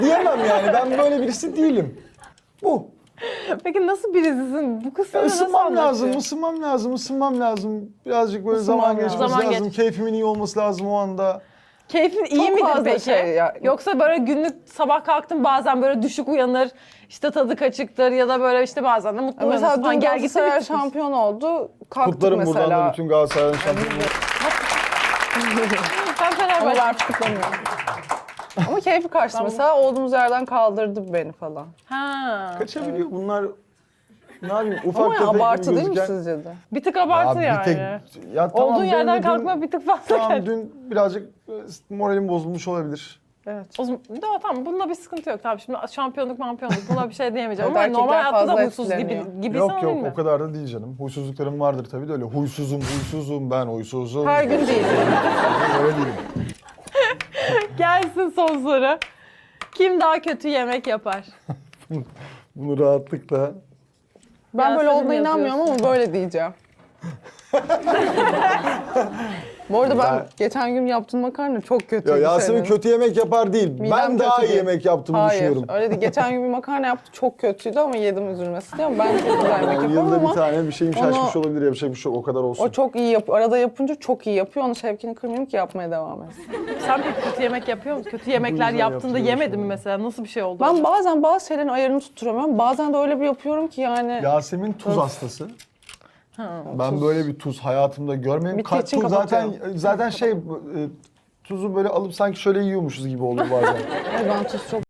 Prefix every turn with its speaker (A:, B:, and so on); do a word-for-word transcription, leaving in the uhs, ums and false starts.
A: diyemem yani. Ben böyle birisi değilim. Bu.
B: Peki nasıl birisisin? Bu kısmını nasıl
A: Isınmam lazım,
B: anlatıyorsun?
A: ısınmam lazım, ısınmam lazım. Birazcık böyle
C: Isınmam
A: zaman
C: lazım.
A: geçmesi
B: Zaman
A: lazım.
B: geç.
A: Keyfimin iyi olması lazım o anda.
B: Keyfin iyi
C: Çok
B: midir
C: fazla
B: peki?
C: şey ya.
B: Yoksa böyle günlük sabah kalktın bazen böyle düşük uyanır, işte tadı kaçıktır ya da böyle işte bazen de mutlu uyanırsın
C: Mesela
B: falan.
C: dün
B: Gel gitsin
C: Galatasaray
B: bir tık.
C: şampiyon oldu. Kalktık
A: Kutlarım
C: mesela.
A: buradan da bütün Galatasaray'ın şampiyonu.
B: Ben
C: Ama
B: Fenerbahçe.
C: ben artık kutlamıyorum. Ama keyfi kaçtı mesela. Olduğumuz yerden kaldırdı beni falan.
B: Ha.
A: Kaçabiliyor bunlar. Ne yapayım ufak
C: Ama ya
A: tefek gibi
C: abartı değil mi
A: gözüken-
C: sizce de?
B: Bir tık abartı
A: Abi
B: yani.
A: bir tek, ya tamam,
B: Olduğun
A: benim
B: yerden
A: de dün-
B: kalkma bir tık fazla
A: Tamam
B: geldi.
A: dün birazcık e, moralim bozulmuş olabilir.
C: Evet.
B: O zaman, de, tamam bunda bir sıkıntı yok. Tamam şimdi şampiyonluk mampiyonluk buna bir şey diyemeyeceğim.
C: Evet,
B: Ama normal
C: erkekler
B: hayatta da
C: fazla
B: huysuz gibi,
C: etkileniyor.
B: gibi
A: Yok
B: sana
A: yok
B: değil mi?
A: o kadar da değil canım. Huysuzluklarım vardır tabii de öyle. Huysuzum huysuzum ben huysuzum.
C: Her gün değil.
A: Öyle değilim.
B: Gelsin son soru. Kim daha kötü yemek yapar?
A: Bunu rahatlıkla.
C: Ben böyle
B: Yasemin
C: olduğuna inanmıyorum
B: yazıyorsun.
C: ama böyle diyeceğim. Bu arada ben,
A: Ben-
C: geçen gün yaptığım makarna çok kötüydü
A: Ya Yasemin
C: senin.
A: kötü yemek yapar değil.
C: Midem
A: ben daha
C: kötü
A: iyi
C: değil.
A: yemek yaptığımı
C: Hayır,
A: düşünüyorum.
C: öyle değil. Geçen gün bir makarna yaptı, çok kötüydü ama yedim üzülmesin diye. Ama ben çok güzel yemek
A: Yani
C: yaparım
A: yılda bir
C: ama
A: tane bir şeyim
C: onu-
A: şaşmış olabilir. Yapacak bir şey yok. O kadar olsun.
C: o çok iyi yapıyor. Arada yapınca çok iyi yapıyor. Onun şevkini kırmayayım ki yapmaya devam etsin.
B: Sen peki kötü yemek yapıyor musun? Kötü yemekler
A: yüzden
B: yaptığında
A: yaptığını
B: yemedin mi
A: düşünüyorum.
B: mesela? Nasıl bir şey oldu?
C: Ben bazen bazı şeylerin ayarını tutturamıyorum. Bazen de öyle bir yapıyorum ki yani...
A: Yasemin tuz hastası. Ben böyle bir tuz hayatımda görmedim.
C: Bitti
A: Ka-
C: için
A: tuz zaten
C: kapatıyorum.
A: zaten şey e, tuzu böyle alıp sanki şöyle yiyormuşuz gibi oluyor bazen.
C: Ay, ben tuz çok